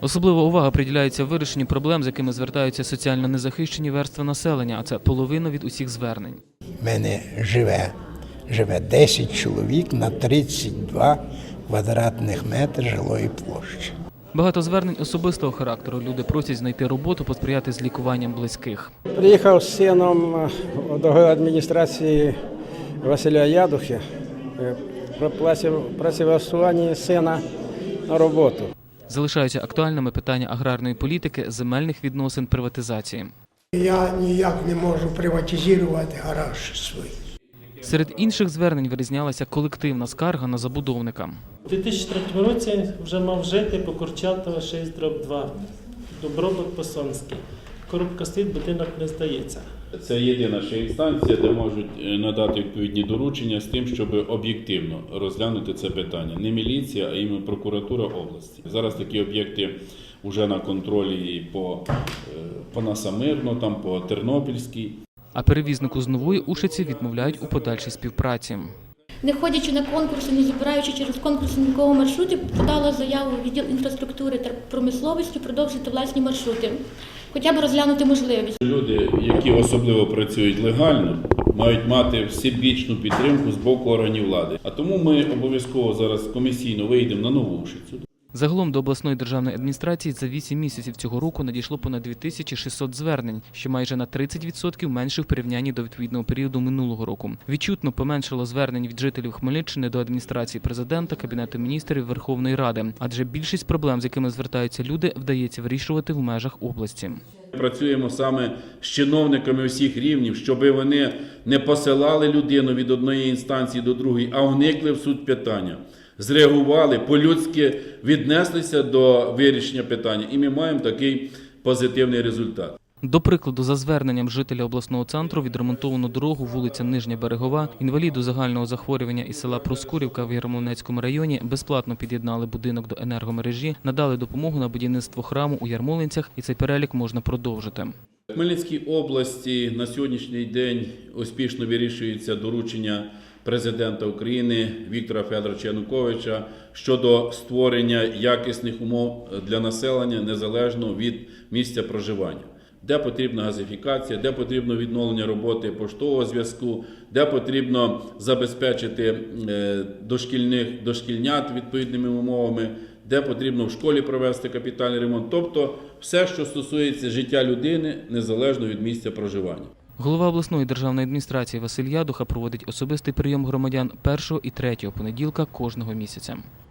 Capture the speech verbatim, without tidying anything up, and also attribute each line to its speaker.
Speaker 1: Особлива увага приділяється вирішенню проблем, з якими звертаються соціально незахищені верстви населення, а це половина від усіх звернень.
Speaker 2: У мене живе, живе десять чоловік на тридцять два квадратних метри жилої площі.
Speaker 1: Багато звернень особистого характеру. Люди просять знайти роботу, посприяти з лікуванням близьких.
Speaker 3: Приїхав з сином до адміністрації Василя Ядухи про працевлаштування сина на роботу.
Speaker 1: Залишаються актуальними питання аграрної політики, земельних відносин, приватизації.
Speaker 4: Я ніяк не можу приватизувати гараж свій.
Speaker 1: Серед інших звернень вирізнялася колективна скарга на забудовника.
Speaker 5: У дві тисячі третьому році вже мав жити по Курчатова шість дроб два, Добробут Посонський. Коробка стоїть, будинок не здається.
Speaker 6: Це єдина ще інстанція, де можуть надати відповідні доручення з тим, щоб об'єктивно розглянути це питання. Не міліція, а іменно прокуратура області. Зараз такі об'єкти вже на контролі по, по Насамирно, там по Тернопільській.
Speaker 1: А перевізнику з Нової Ушиці відмовляють у подальшій співпраці.
Speaker 7: Не ходячи на конкурси, не збираючи через конкурси ніякого маршруту, подала заяву в відділ інфраструктури та промисловості продовжити власні маршрути, хоча б розглянути можливість.
Speaker 6: Люди, які особливо працюють легально, мають мати всебічну підтримку з боку органів влади. А тому ми обов'язково зараз комісійно вийдемо на Нову Ушицю.
Speaker 1: Загалом до обласної державної адміністрації за вісім місяців цього року надійшло понад дві тисячі шістсот звернень, що майже на тридцять відсотків менше в порівнянні до відповідного періоду минулого року. Відчутно поменшало звернень від жителів Хмельниччини до адміністрації президента, Кабінету міністрів, Верховної Ради, адже більшість проблем, з якими звертаються люди, вдається вирішувати в межах області.
Speaker 6: Працюємо саме з чиновниками всіх рівнів, щоб вони не посилали людину від одної інстанції до другої, а вникли в суть питання. Зреагували, по-людськи віднеслися до вирішення питання, і ми маємо такий позитивний результат.
Speaker 1: До прикладу, за зверненням жителя обласного центру відремонтовано дорогу вулиця Нижня Берегова, інваліду загального захворювання із села Проскурівка в Ярмолинецькому районі безплатно під'єднали будинок до енергомережі, надали допомогу на будівництво храму у Ярмолинцях, і цей перелік можна продовжити.
Speaker 6: В Хмельницькій області на сьогоднішній день успішно вирішується доручення президента України Віктора Федоровича Януковича щодо створення якісних умов для населення незалежно від місця проживання. Де потрібна газифікація, де потрібно відновлення роботи поштового зв'язку, де потрібно забезпечити дошкільних, дошкільнят відповідними умовами, де потрібно в школі провести капітальний ремонт. Тобто все, що стосується життя людини, незалежно від місця проживання.
Speaker 1: Голова обласної державної адміністрації Василь Ядуха проводить особистий прийом громадян першого і третього понеділка кожного місяця.